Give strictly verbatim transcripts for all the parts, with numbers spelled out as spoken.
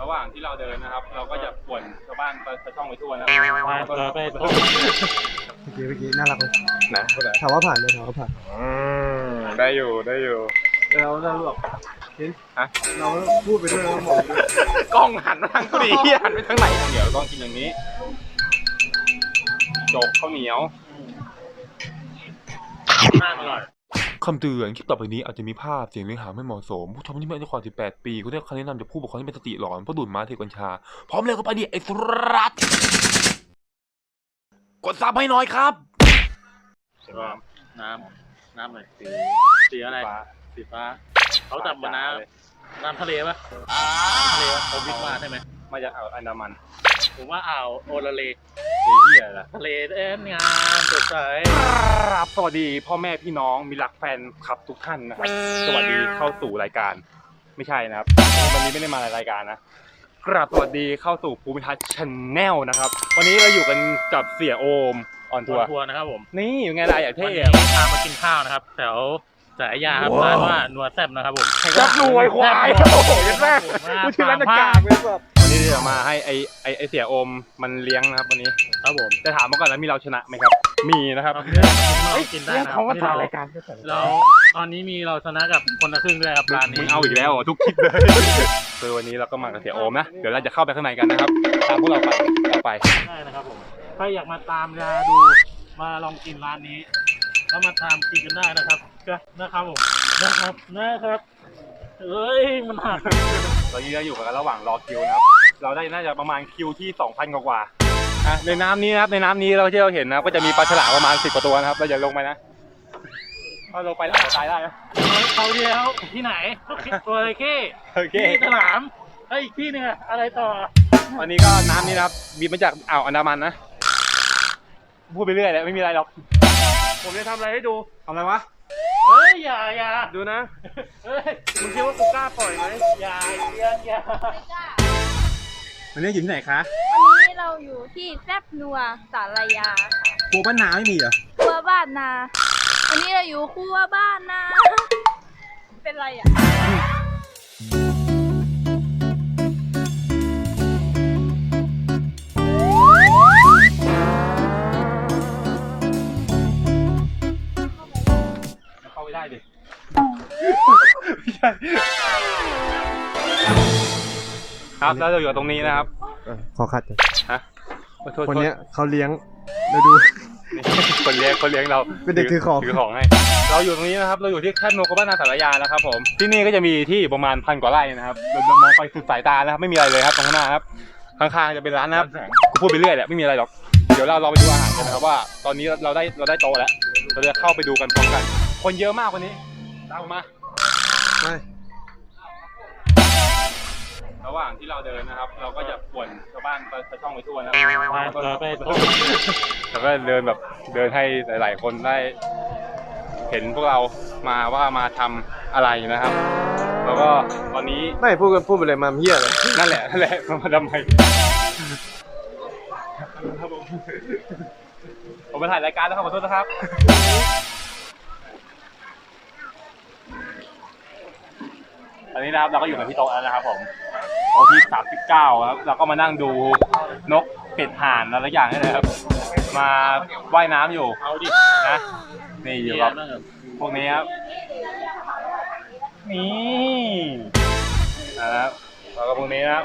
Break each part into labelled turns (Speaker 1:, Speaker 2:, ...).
Speaker 1: หว่างที่เราเดินนะครับเราก็จะป่วนชาวบ้านไปช่องไปทั่วนะครับเราไปเมื่อ
Speaker 2: กี้เมื่อกี้น่ารักเลย
Speaker 1: นะ
Speaker 2: ถามว่าผ่านไหมถามว่าผ่าน
Speaker 1: ได้อยู่ได้อยู่
Speaker 2: เราเราแบบเห็น
Speaker 1: ฮะ
Speaker 2: เราพูดไปด้วยเรามอง
Speaker 1: กล้องหันมาทางกูดิหันไปทางไหนเดี๋ยวต้องกินอย่างนี้โจกข้าวเหนียวคำเตือนคลิปต่อไปนี้อาจจะมีภาพเสียงเนื้อหาไม่เหมาะสมผู้ชมที่ไม่อายุกว่าสิบแปดปีคุณได้คำแนะนำจากผู้ปกครองที่เป็นสติหลอนเพราะดูดม้าเทกัญชาพร้อมเลยก็ไปดิไอ้สรัตกดซับให้หน่อยครับ
Speaker 3: ก็น้ำน้ำอะไรสีสีอะไรสีฟ้าเขาจับมาน้ำน้ำทะเลปะทะเลปะเขาวิทย์มาใช่ไหม
Speaker 1: มาจากอ่าวอันดามัน
Speaker 3: ผมว่าอ่าวโอลาเล
Speaker 1: ที่อะไรล่ะ
Speaker 3: ทะเลเอ็นงามสดใส
Speaker 1: ครับสวัสดีพ่อแม่พี่น้องมีรักแฟนคลับทุกท่านนะครับสวัสดีเข้าสู่รายการไม่ใช่นะครับวันนี้ไม่ได้มารายการนะกราบสวัสดีเข้าสู่ภูมิทัศน์ชาแนลนะครับวันนี้เราอยู่กันกับเสี่ยโอมออนทัวร์
Speaker 3: นะครับผม
Speaker 1: นี่อยู่ไงล่ะอยากเท่
Speaker 3: พามากินข้าวนะครับแถวสายยาครับร้านว่านัวแซ่บนะครับผม
Speaker 1: จับรวยควายโอ้โหยันแรกกูชื่อร้านกากเลยแบบวันนี้จะมาให้ไอไอไอเสี่ยโอมมันเลี้ยงนะครับวันนี้
Speaker 3: ครับผม
Speaker 1: จะถามมาก่อนแล้วมีเราชนะไหมครับมีนะครับ
Speaker 3: กินได้นะ
Speaker 1: เขาก็ถ่ายรายการ
Speaker 3: เราตอนนี้มีเราชนะกับคนละครึ่งด้วยครับร้านนี้
Speaker 1: มึงเอาอีกแล้วทุกคลิปเลยคือวันนี้เราก็มากับเสี่ยโอมนะเดี๋ยวเราจะเข้าไปข้างในกันนะครับตามพวกเราไปเราไป
Speaker 3: ได้นะครับผมถ้าอยากมาตามยาดูมาลองกินร้านนี้แล้วมาทำกินกันได้นะครับก็นะครับผมนะครับนะครับเอ้ยมันหัก
Speaker 1: ตอนนี้เราอยู่กันระหว่างรอคิวนะครับเราได้น่าจะประมาณคิวที่ สองพัน กว่าอ่ะในน้ำนี้นะครับในน้ำนี้เราที่เราเห็นนะก็จะมีปลาฉลามประมาณสิบกว่าตัวนะครับเราอย่าลงไปนะถ้าลงไปแล้วตายได้นะ
Speaker 3: เขาเดียวที่ไหนตัวอะไรเก้ที่ฉลามไอ้อีกที่นึงอะไรต่อ
Speaker 1: วันนี้ก็น้ำนี้นะครับบีบมาจากอ่าวอันดามันนะพูดไปเรื่อยแหละไม่มีอะไรหรอก
Speaker 3: ผมจะทำอะไรให้ดู
Speaker 1: ทำอะไรวะ
Speaker 3: เฮ้ยอย่าอย่า
Speaker 1: ดูนะ
Speaker 3: เฮ้ยมึงคิดว่ากูกล้าปล่อยไหมอย่าอย่าอย่า
Speaker 1: วันนี้อยู่ที่ไหนคะ
Speaker 4: วันนี้เราอยู่ที่แซ่บนัวสารยา
Speaker 1: ครัวบ้านนาไม่มีเหรอ
Speaker 4: ครัวบ้านนาวันนี้เราอยู่ครัวบ้านนาเป็นไรอ่ะ
Speaker 1: เข้าไม่ได้ดิครับแล้วเราอยู่ตรงนี้นะครับ
Speaker 2: ขอคัด
Speaker 1: ฮะ
Speaker 2: คนนี้เขาเลี้ยงเราดู
Speaker 1: คนเลี้ยงคนเลี้ยงเรา
Speaker 2: เป็นเด็กถือของ
Speaker 1: ถือของให้เราอยู่ตรงนี้นะครับเราอยู่ที่แคบโนกบ้านนาสารยานะครับผมที่นี่ก็จะมีที่ประมาณพันกว่าไร่นะครับเรามองไปสุดสายตานะครับไม่มีอะไรเลยครับตรงข้างหน้าครับข้างๆจะเป็นร้านนะครับกูพูดไปเรื่อยแหละไม่มีอะไรหรอกเดี๋ยวเราเราไปดูอาหารกันนะครับว่าตอนนี้เราได้เราได้โตแล้วเราจะเข้าไปดูกันพร้อมกันคนเยอะมากวันนี้ตามมา
Speaker 2: ไม่
Speaker 1: ระหว่างที่เราเดินนะครับเราก็จะป่วนชาวบ้านไปช่องไปทั่วนะ
Speaker 3: เราไป
Speaker 1: แล้วก็เดินแบบเดินให้หลายๆคนได้เห็นพวกเรามาว่ามาทำอะไรนะครับแล้วก็ตอนนี้
Speaker 2: ไม่พูดกันพูดไปเลยมาเหี้ยเลย
Speaker 1: นั่นแหละนั่นแหละมาทำไมผมไปถ่ายรายการแล้วครับขอโทษนะครับตอนนี้นะครับเราก็อยู่กับพี่โต๊ะแล้วนะครับผมโต๊ะที่สามสิบเก้าครับเราก็มานั่งดูนกเป็ดห่านอะไรอย่างนี้เลยครับมาว่ายน้ำอยู่
Speaker 3: เอาดิ
Speaker 1: นะนี่อยู่ครับพวกนี้ครับนี่นะครับแล้วก็พวกนี้นะครับ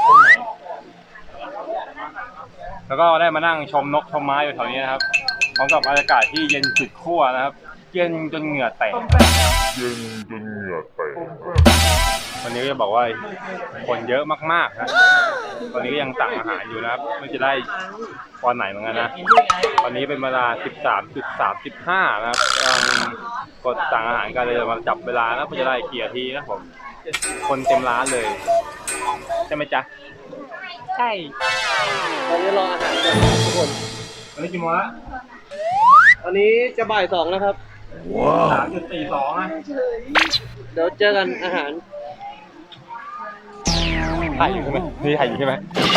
Speaker 1: แล้วก็ได้มานั่งชมนกชมไม้อยู่แถวนี้นะครับพร้อมกับบรรยากาศที่เย็นสุดขั้วนะครับเย็นจนเหงื่อแตก
Speaker 5: เย็นจนเหงื่อแตก
Speaker 1: วันนี้ก็จะบอกว่าคนเยอะมากๆนะตอนนี้ก็ยังสั่งอาหารอยู่นะครับไม่จะได้ตอนไหนเหมือนกันนะตอนนี้เป็นเวลา สิบสามจุดสามห้า นะครับกดสั่งอาหารกันเลยมาจับเวลานะเพื่อจะได้กี่นาทีนะผมคนเต็มร้านเลยใช่ไหมจ๊ะ
Speaker 4: ใช่
Speaker 2: ตอนนี้รออาหารกันทุกคน
Speaker 1: ตอนนี้กี่โมงละ
Speaker 2: ตอนนี้จะบ่ายสองแล้วครับ
Speaker 1: สามจุดสี่สองนะ
Speaker 2: เดี๋ยวเจอกันอาหาร
Speaker 1: ถ่ายอยู่ใช่ไหมนี่ถ่ายอยู่ใช่ไหม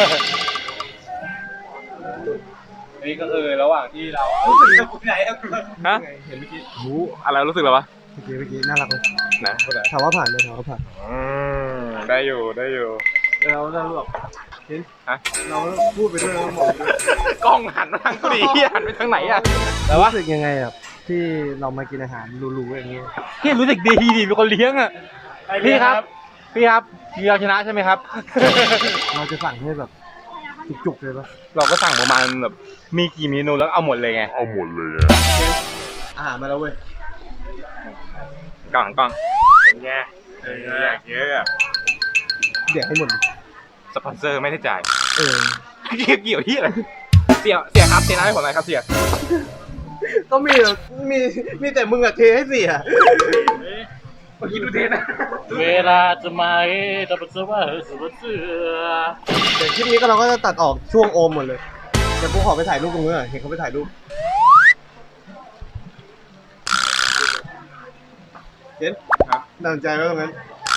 Speaker 1: นี่ก็คือระหว่างที่เรารู้สึกจะคุยไหนฮะเห็นเมื่อกี้รู้อะไรรู้สึกหรอวะ
Speaker 2: เมื่อกี้เมื่อกี้น่ารักเลย
Speaker 1: นะ
Speaker 2: ถามว่าผ่านไหมถามว่าผ่าน
Speaker 1: ได้อยู่ได้อยู่
Speaker 2: เราเราแบบเห็น
Speaker 1: ฮะ
Speaker 2: เราพูดไปด้วยแล้วมองไปด้วย
Speaker 1: กล้องหันมาทางกูดิเฮียหันไปทางไหนอะแต่ว่า
Speaker 2: รู้สึกยังไงอ่ะที่เรามากินอาหารหรูๆอย่างนี้
Speaker 1: พี่รู้สึกดีดีเป็นคนเลี้ยงอะพี่ครับ พี่ครับพี่เราชนะใช่ไหมครับ
Speaker 2: เราจะสั่งให้แบบจุกๆเลยปะ
Speaker 1: เราก็สั่งประมาณแบบมีกี่เมนูแล้วเอาหมดเลยไง
Speaker 5: เอาหมดเลยอะ
Speaker 2: อาหารมาแล้วเว้ย
Speaker 1: กล่องกล่องแย่เยอะเยอะ
Speaker 2: เดี๋ยวให้หมดดิ
Speaker 1: สปอนเซอร์ไม่ได้จ่าย
Speaker 2: เออ
Speaker 1: เกี่ยวที่อะไรเสียเสียครับเสียน้ำให้ผมหน่อยครับเสีย
Speaker 2: ก็มีแบบมีมีแต่มึงอะเทให้เสีย
Speaker 1: เมื่อกี้ดูเทนะ
Speaker 3: เวลาจะมาเอ๊ะจะเป็นเสื้อว่าเสือเสือ
Speaker 2: เดี๋ยวคลิปนี้ก็เราก็จะตัดออกช่วงโอมหมดเลยเดี๋ยวกูขอไปถ่ายรูปตรงนู้นหน่อยเห็นเขาไปถ่ายรูปเห็น
Speaker 1: ครับ
Speaker 2: น่าสนใจไหมตรงนั้น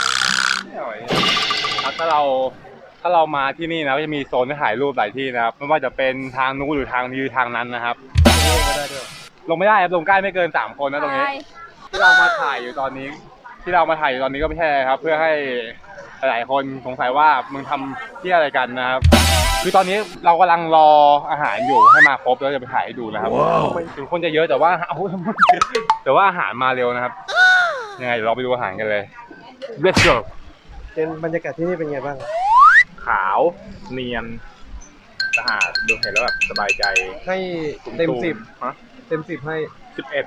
Speaker 1: ครับถ้าเราถ้าเรามาที่นี่นะก็จะมีโซนให้ถ่ายรูปหลายที่นะครับไม่ว่าจะเป็นทางนู้นหรือทางนี้หรือทางนั้นนะครับ ลงไม่ได้ครับลงใกล้ไม่เกินสามคนนะตรงนี้
Speaker 4: ใช่
Speaker 1: ที่เรามาถ่ายอยู่ตอนนี้ ที่เรามาถ่ายอยู่ตอนนี้ก็ไม่ใช่ครับ เพื่อให้หลายคนสงสัยว่ามึงทำที่อะไรกันนะครับ คือตอนนี้เรากำลังรออาหารอยู่ให้มาครบแล้วจะไปถ่ายให้ดูนะครับถึงคนจะเยอะแต่ว่าเอาแต่ว่าอาหารมาเร็วนะครับ ยังไงเดี๋ยวเราไปดูอาหารกันเลย Let's go
Speaker 2: เป็นบรรยากาศที่นี่เป็นไงบ้าง
Speaker 1: ขาวเนียนสะอาดดูเห็นแล้วแบบสบายใจ
Speaker 2: ให้เต็มสิบ
Speaker 1: ฮะ
Speaker 2: เต็มสิบให้
Speaker 1: สิบเอ็ด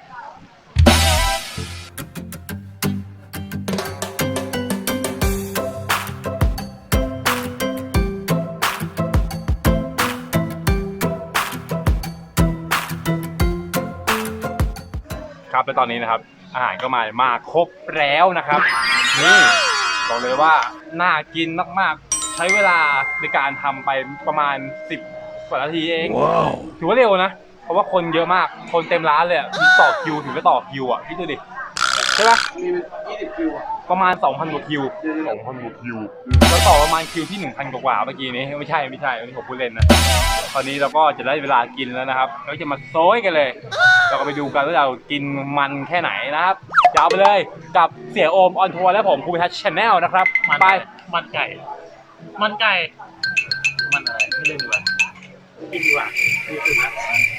Speaker 1: ครับและตอนนี้นะครับ อาหารก็มามาครบแล้วนะครับนี่บอกเลยว่าน่ากินมากๆ ใช้เวลาในการทำไปประมาณสิบกว่านาทีเองถือว่าเร็วนะ เพราะว่าคนเยอะมาก คนเต็มร้านเลยอะมีต่อคิวถึงจะต่อคิวอ่ะพี่ดูดิใช่ปะ
Speaker 2: มียี่สิบคิวอ่ะ
Speaker 1: ประมาณ สองพัน กว่าคิว
Speaker 5: สองพันกว่าคิว
Speaker 1: แล้วต่อประมาณคิวที่ หนึ่งพัน กว่าๆเมื่อกี้นี้ไม่ใช่ไม่ใช่อันนี้ผมพูดเล่นนะตอนนี้เราก็จะได้เวลากินแล้วนะครับเราจะมาโซยกันเลย เราก็ไปดูกันว่าเรากินมันแค่ไหนนะครับยาวไปเลยกับเสียโอมออนทัวร์และผมภูมิทัศน์ชาแนลนะครับ
Speaker 3: มัน
Speaker 1: ไป
Speaker 3: มันไก่ มันไก่ มันอะไรไม่เล่นดีกว่ากินดีกว่าดีสุดนะ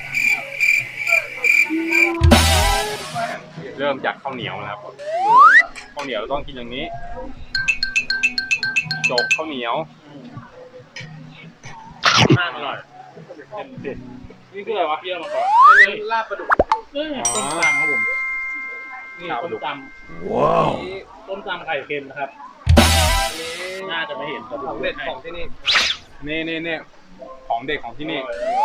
Speaker 1: เริ่มจากข้าวเหนียวนะครับข้าวเหนียวต้องกินอย่างนี้จกข้าวเหนียว
Speaker 3: น่าอร่อยเต็มเด็ดนี่คืออะไรวะเยี่ยมมาก่อน
Speaker 2: ลาบปลาดุก
Speaker 3: นี่ต้มตำครับผมนี่ต้มตำว้าวต้มตำไข่เค็มนะครับ
Speaker 2: อันนี้
Speaker 3: น่าจะไม่เห็น
Speaker 2: ของเด็ดของที่นี่
Speaker 1: นี่นี่นี่ของเด็กของที่นี่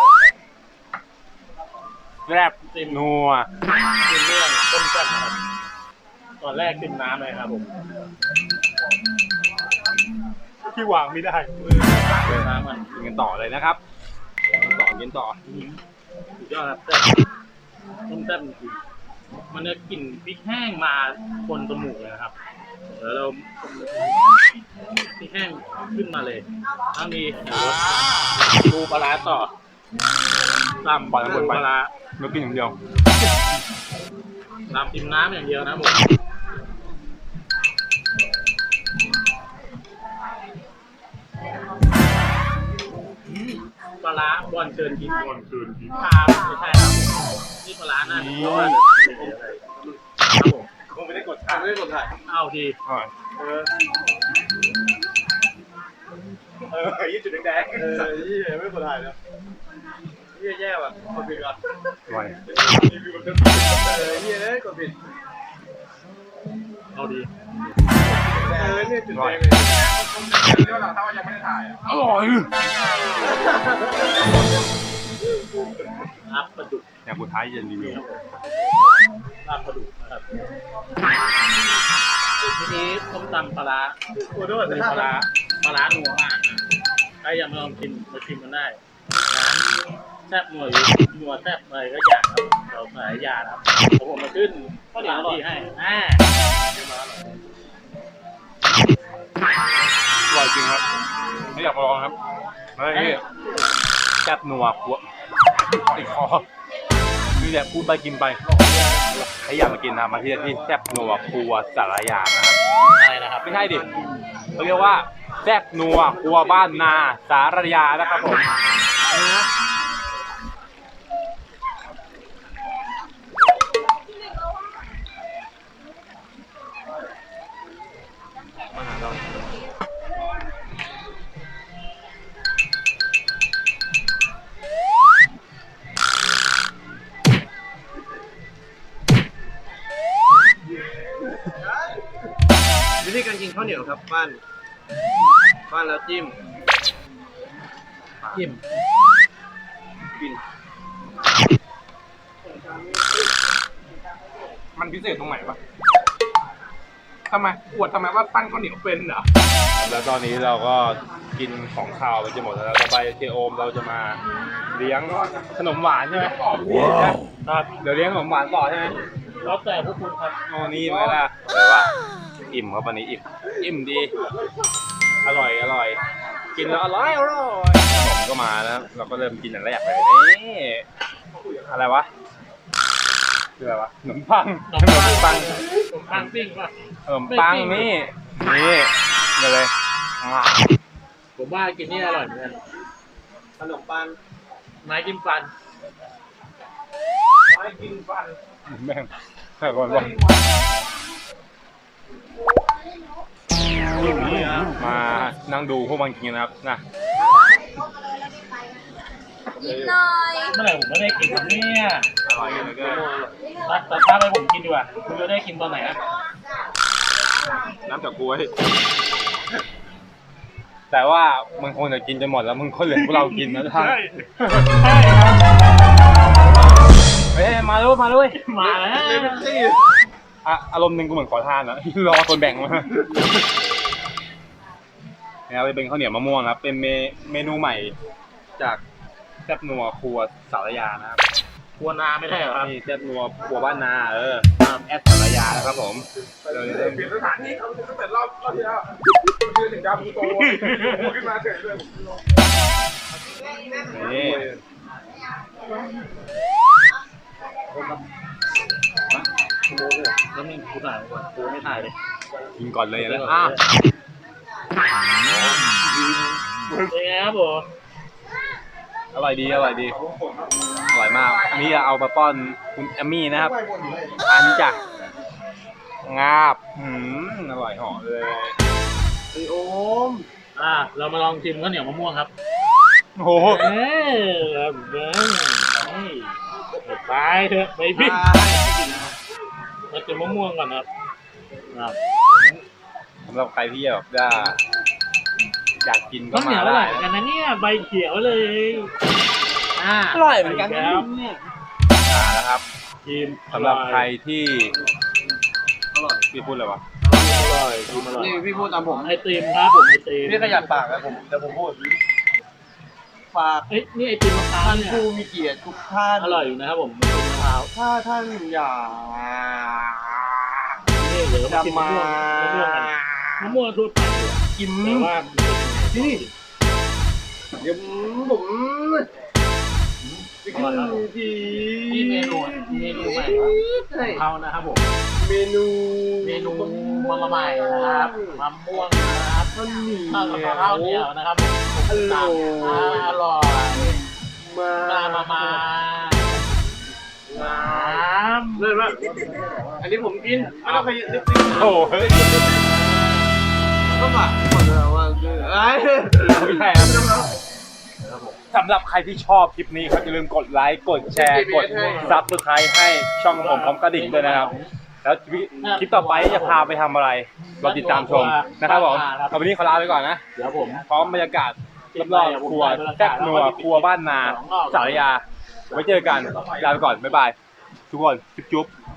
Speaker 1: แรบนัว
Speaker 3: กินเรื่องต้มแซ่บนะครับตอนแรกกินน้ำเลยครับผม
Speaker 1: ที่วางไม่ได้
Speaker 3: เลยน้ำมัน
Speaker 1: กินกันต่อเลยนะครับกินต่อกินต่อ
Speaker 3: สุดยอดครับแซ่บต้มแซ่บจริงๆมันจะกลิ่นพริกแห้งมาคนจมูกเลยนะครับเดี๋ยวเราพริกแห้งขึ้นมาเลยทั้งนี้เดี๋ยวดูปลาร้าต่อตำ
Speaker 1: ปล่อยมันหมดไป
Speaker 3: ปลาร้า
Speaker 1: เรากินอย่างเดียว
Speaker 3: ตำจิ้มน้ำอย่างเดียวนะผมปลาร้าบอลเชิญกินบอลเชิญกินปลาไม่ใช่ครับนี่ปลาร้าหน้าเพราะว่าเดี๋ยวทำเดี๋ยวอะไรครับผม
Speaker 1: คงไม่ได้กดถ่าย
Speaker 2: ไม่ได้กดถ่าย
Speaker 3: เอาที
Speaker 2: เออ
Speaker 1: เออยี่จุดแดง
Speaker 2: เออยี่ไม่ได้กดถ่ายแล้วยี่แย่ว่ะกดผิดก่อน
Speaker 1: ๆไว
Speaker 2: เออยี่เลยกดผิด
Speaker 3: เอาดี
Speaker 2: เออเนี่ยจุดแดง
Speaker 1: อร่อย
Speaker 3: ลาบปลาดุก
Speaker 1: อย่างสุดท้ายจะรีวิว
Speaker 3: ลาบปลาดุกนะครับทีนี้ต้มตำปลาร้า
Speaker 2: โอ้ด้วย
Speaker 3: มีปลาร้าปลาร้านัวมากนะใครอยากมาลองกินมาชิมกันได้ร้านแซ่บนัวอยู่นัวแซ่บอะไรก็อย่างครับเราหลายอย่างครับผมผมมาขึ้นข้าวเหนียวที่ให้อ่า
Speaker 1: อร่อยจริงครับไม่อยากมาลองครับเฮ้ยแซ่บนัวหัวติดคอนี่แหละพูดไปกินไปถ้าอยากมากินนะมาที่ที่แซ่บนัวครัวสารยานะครับ
Speaker 3: อะไรนะครับ
Speaker 1: ไม่ใช่ดิเขาเรียกว่าแซ่บนัวครัวบ้านนาสารยานะครับผมนะมาหาเรา
Speaker 2: วิธีการกินข้าวเหนียวครับบ้านบ้านแล้วจิ้ม
Speaker 3: จิ้ม
Speaker 2: กิน
Speaker 1: มันพิเศษตรงไหนวะทำไมอวดทำไมว่าปั้นข้าวเหนียวเป็นเหรอแล้วตอนนี้เราก็กินของข้าวไปจะหมดแล้วต่อไปเจโอมเราจะมาเลี้ยงขนมหวานใช่ไหมครับเดี๋ยวเลี้ยงขนมหวานต่อใช่ไหม
Speaker 3: แล้วแต่พวกคุณครับ
Speaker 1: โอ้นี่ไหมล่ะเลยว่าอิ่มครับวันนี้อิ่มอิ่มดี อร่อยอร่อย กินแล้วอร่อยอร่อยขนมก็มาแล้วเราก็เริ่มกินอย่างแรกเลยนี่อะไรวะคืออะไรวะขนมปังขนมปัง
Speaker 3: ผมปังปิ้งป่ะ
Speaker 1: ขนมปังนี่นี่มาเลยอ่ะ
Speaker 3: ผมว่ากินนี่อร่อยเหมือนกัน
Speaker 2: ขนมปัง
Speaker 3: ไม้จิ้มฟัน
Speaker 1: ไม่กินฟันแม่งใช่ก่อนวะมานั่งดูพวกมันกินนะครับนะ
Speaker 4: นิดหน่อย
Speaker 3: เมื่อไหร่ผมไม่ได้กินครับเนี่ย
Speaker 1: อร่อยเลยก็
Speaker 3: ตัดตัดภาพให้ผมกินดีกว่าคุณจะได้กินตอนไหนอะ
Speaker 1: น้ำจากกล้วย แต่ว่ามึงคงจะกินจนหมดแล้วมึงก็เหลือพวกเรากินนะท่าน
Speaker 3: ใช่ใช่ครับ
Speaker 1: เฮ้ยมาด้วยมาด้วย
Speaker 3: มาแล้ว
Speaker 2: เลเวนตี้
Speaker 1: อ่ะอารมณ์หนึ่งกูเหมือนขอทานอะ รอคนแบ่งมาเนี่ยไปเป็นข้าวเหนียวมะม่วงครับ เป็นเมเมนูใหม่จากแซ่บนัวครัวสารยานะครับ
Speaker 3: ครัวนาไม่ได้เหรอครับ
Speaker 1: นี่แซ่บนัวครัวบ้านนาเออแอดสารยานะครับผมเราเริ่ม
Speaker 6: เปลี่ยนสถานที่เขาตั้งแต่รอบรอบที่แล้วยืนถึงดาวพูโตขึ้นมาเฉยเลย
Speaker 1: นี่
Speaker 3: แล้วมีกูถ่ายก่อนกูไม่ถ่ายเลย
Speaker 1: กินก่อนเลยนะอ่ะ
Speaker 3: เป็นไงครับผม
Speaker 1: อร่อยดีอร่อยดีอร่อยมากอันนี้เอามาป้อนคุณแอมมี่นะครับอันนี้จ้ะงาบหืมอร่อยเหอเลย
Speaker 2: ไอโอม
Speaker 3: อ่าเรามาลองชิมข้าวเหนียวมะม่วงครับ
Speaker 1: โอ้โห
Speaker 3: เออเบิ้งนี่ไปเถอะไปพี่เราจะมะม่วงก่อนครับครับ
Speaker 1: สำหรับใครที่แบบจะอยากกินก็
Speaker 3: ข้าวเหนี
Speaker 1: มา
Speaker 3: ยวอร่
Speaker 1: ได้
Speaker 3: อยเหมือนกันนะเนี่ยใบเขียวเลยอ่า
Speaker 1: อร่อยเหมือนกัน
Speaker 3: แล้ว
Speaker 1: อ่านะครับ
Speaker 3: ชิม
Speaker 1: สำหรับใครที่อร่อยพี่พูดเลยวะ
Speaker 3: อร่อยชิมอร่อย
Speaker 2: นี่พี่พูดตามผม
Speaker 3: ไอติมครับผมไอติม
Speaker 2: พี่ขยับปากนะผมเดี๋ยวผมพูดฝาก
Speaker 3: เอ้ยนี่ไอติมมะพร้าว
Speaker 2: ท่าน
Speaker 3: เนี่ย
Speaker 2: ผู้มีเกียรติทุกท่าน
Speaker 3: อร่อยอยู่นะครับผมไอติมมะพร้าว
Speaker 2: ถ้าท่านอยาก
Speaker 3: นี่เดี๋ยวมา
Speaker 2: จะ
Speaker 3: ชิม
Speaker 2: มาม
Speaker 3: ะม่วงมะม่วงกันมะม่วงทั่วไปเลย
Speaker 2: กิน
Speaker 3: แต่ว่า
Speaker 2: นี่เดี๋ยวผมจะ
Speaker 3: อร่อยครับผม
Speaker 2: ที
Speaker 3: นี่เมนูเมนูใหม่ของเขานะครับผม
Speaker 2: เมนู
Speaker 3: เมนูมาใหม่นะครับมะม่วงนะครับ
Speaker 2: ข้าวเหนี
Speaker 3: ข้าวกับ
Speaker 2: ยว
Speaker 3: ข้าวเหนียวนะครับผม
Speaker 2: อร่อย
Speaker 3: อร่อย
Speaker 2: มา
Speaker 3: มามามาน้ำ
Speaker 2: เลิศมากอันนี้ผมกินไม่ต้องขยับนิดนึง
Speaker 1: โอ้โหเฮ้ย
Speaker 2: ก็มาหมดแล้วว่าคือไอ้
Speaker 1: ไม่ใช่ครับสำหรับใครที่ชอบคลิปนี้ครับอย่าลืมกดไลค์กดแชร์กดซับสไครต์ให้ช่องผมพร้อมกระดิ่งด้วยนะครับ แล้วคลิปต่อไปจะพาไปทำอะไรเราติดตามชมนะครับผมเอาวันนี้ขอลาไปก่อนนะ
Speaker 3: เดี๋ยวผม
Speaker 1: พร้อมบรรยากาศรอบๆครัวแซ่บนัวครัวบ้านนาสารยาไว้เจอกันลาไปก่อนบ๊ายบายทุกคนจุ๊บๆ